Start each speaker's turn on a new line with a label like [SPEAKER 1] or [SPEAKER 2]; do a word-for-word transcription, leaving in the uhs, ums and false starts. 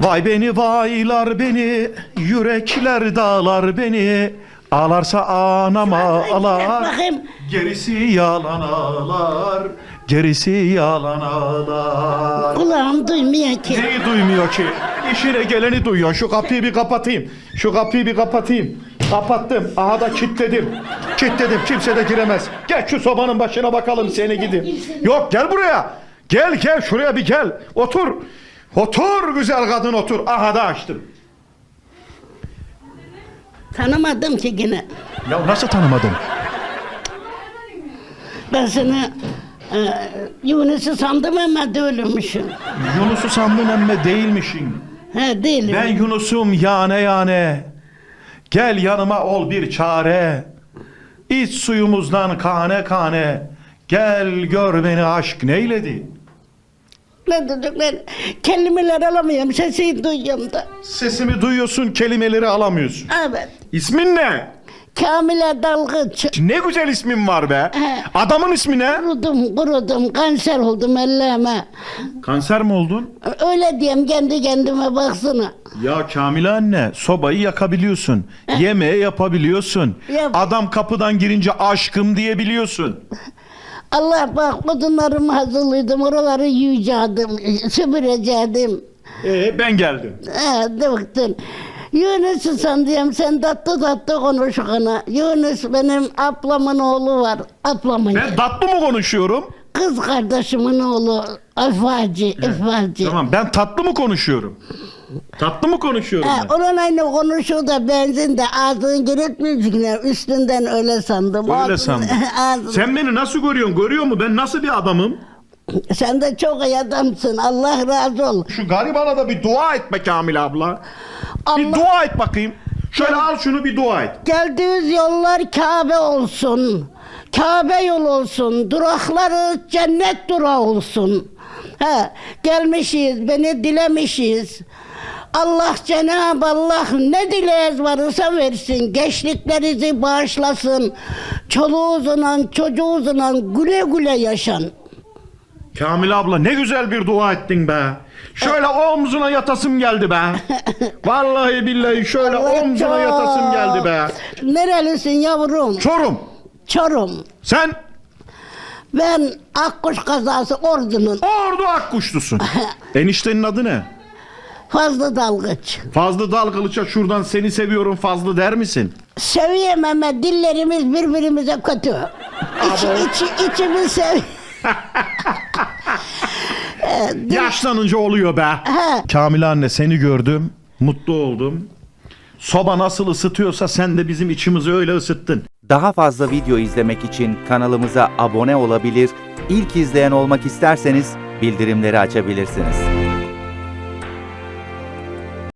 [SPEAKER 1] Vay beni vaylar beni, yürekler dağlar beni. Ağlarsa anama ağlar,
[SPEAKER 2] Bakayım.
[SPEAKER 1] gerisi yalan ağlar, gerisi yalan ağlar.
[SPEAKER 2] Kulağım duymuyor ki.
[SPEAKER 1] Neyi duymuyor ki? İşine geleni duyuyor. Şu kapıyı bir kapatayım. Şu kapıyı bir kapatayım. Kapattım. Aha da kilitledim. Kilitledim. Kimse de giremez. Gel şu sobanın başına bakalım seni gidin. Yok gel buraya. Gel gel şuraya bir gel. Otur. Otur güzel kadın otur. Aha da açtım.
[SPEAKER 2] Tanımadım ki yine.
[SPEAKER 1] Ya nasıl tanımadın?
[SPEAKER 2] Ben seni e, Yunus'u sandım ama değilmişim.
[SPEAKER 1] Yunus'u sandın emme değilmişsin.
[SPEAKER 2] He değilim.
[SPEAKER 1] Ben Yunus'um yane yane. Gel yanıma ol bir çare. İç suyumuzdan kane kane. Gel gör beni aşk neyledi.
[SPEAKER 2] Ne dedik ben kelimeler alamıyorum, sesini duyuyorum da.
[SPEAKER 1] Sesimi duyuyorsun, kelimeleri alamıyorsun.
[SPEAKER 2] Evet.
[SPEAKER 1] İsmin ne?
[SPEAKER 2] Kamile Dalgıç.
[SPEAKER 1] Ne güzel ismin var be.
[SPEAKER 2] He.
[SPEAKER 1] Adamın ismi ne?
[SPEAKER 2] Kurudum, kurudum, kanser oldum ellerime.
[SPEAKER 1] Kanser mi oldun?
[SPEAKER 2] Öyle diyeyim kendi kendime baksana.
[SPEAKER 1] Ya Kamile anne, sobayı yakabiliyorsun. Yemeği yapabiliyorsun.
[SPEAKER 2] Yap.
[SPEAKER 1] Adam kapıdan girince aşkım diyebiliyorsun.
[SPEAKER 2] Allah bak odunlarımı hazırladım, oraları yiyeceğim, süpüreceğim.
[SPEAKER 1] Ee, ben geldim.
[SPEAKER 2] He, dıktın. Yunus'u sandım, sen tatlı tatlı konuş ona. Yunus benim ablamın oğlu var, ablamın.
[SPEAKER 1] Ben tatlı mı konuşuyorum?
[SPEAKER 2] Kız kardeşimin oğlu, Efacı, Efacı.
[SPEAKER 1] Tamam, ben tatlı mı konuşuyorum? Tatlı mı konuşuyorum
[SPEAKER 2] He,
[SPEAKER 1] ben?
[SPEAKER 2] onun aynı konuşuyor da benzin de ağzını giritmeyecekler, üstünden öyle sandım.
[SPEAKER 1] Öyle
[SPEAKER 2] Ağzını-
[SPEAKER 1] sandım.
[SPEAKER 2] ağzını-
[SPEAKER 1] Sen beni nasıl görüyorsun? Görüyor mu? Ben nasıl bir adamım?
[SPEAKER 2] Sen de çok iyi adamsın, Allah razı ol.
[SPEAKER 1] Şu garibana da bir dua et be Kamil abla. Bir
[SPEAKER 2] Allah-
[SPEAKER 1] dua et bakayım. Şöyle al şunu bir dua et.
[SPEAKER 2] Geldiğiniz yollar Kabe olsun. Kabe yol olsun. Durakları cennet durağı olsun. He, gelmişiz, beni dilemişiz. Allah Cenab-ı Allah ne dileğiniz varsa versin. Gençliklerinizi bağışlasın. Çoluğunuzla, çocuğunuzla güle güle yaşan.
[SPEAKER 1] Kamil abla ne güzel bir dua ettin be. Şöyle omzuna yatasım geldi be. Vallahi billahi şöyle
[SPEAKER 2] Allah
[SPEAKER 1] omzuna
[SPEAKER 2] çok-
[SPEAKER 1] yatasım geldi be.
[SPEAKER 2] Nerelisin yavrum?
[SPEAKER 1] Çorum.
[SPEAKER 2] Çorum.
[SPEAKER 1] Sen
[SPEAKER 2] Ben Akkuş kazası Ordu'nun
[SPEAKER 1] Ordu Akkuşlusun. Eniştenin adı ne?
[SPEAKER 2] Fazlı Dalgıç.
[SPEAKER 1] Fazlı Dalgılıç'a şuradan seni seviyorum Fazlı der misin?
[SPEAKER 2] Seviyem ama dillerimiz birbirimize kötü. İç, içi, içimiz sev...
[SPEAKER 1] Yaşlanınca oluyor be.
[SPEAKER 2] He.
[SPEAKER 1] Kamil anne seni gördüm. Mutlu oldum. Soba nasıl ısıtıyorsa sen de bizim içimizi öyle ısıttın.
[SPEAKER 3] Daha fazla video izlemek için kanalımıza abone olabilir, ilk izleyen olmak isterseniz bildirimleri açabilirsiniz.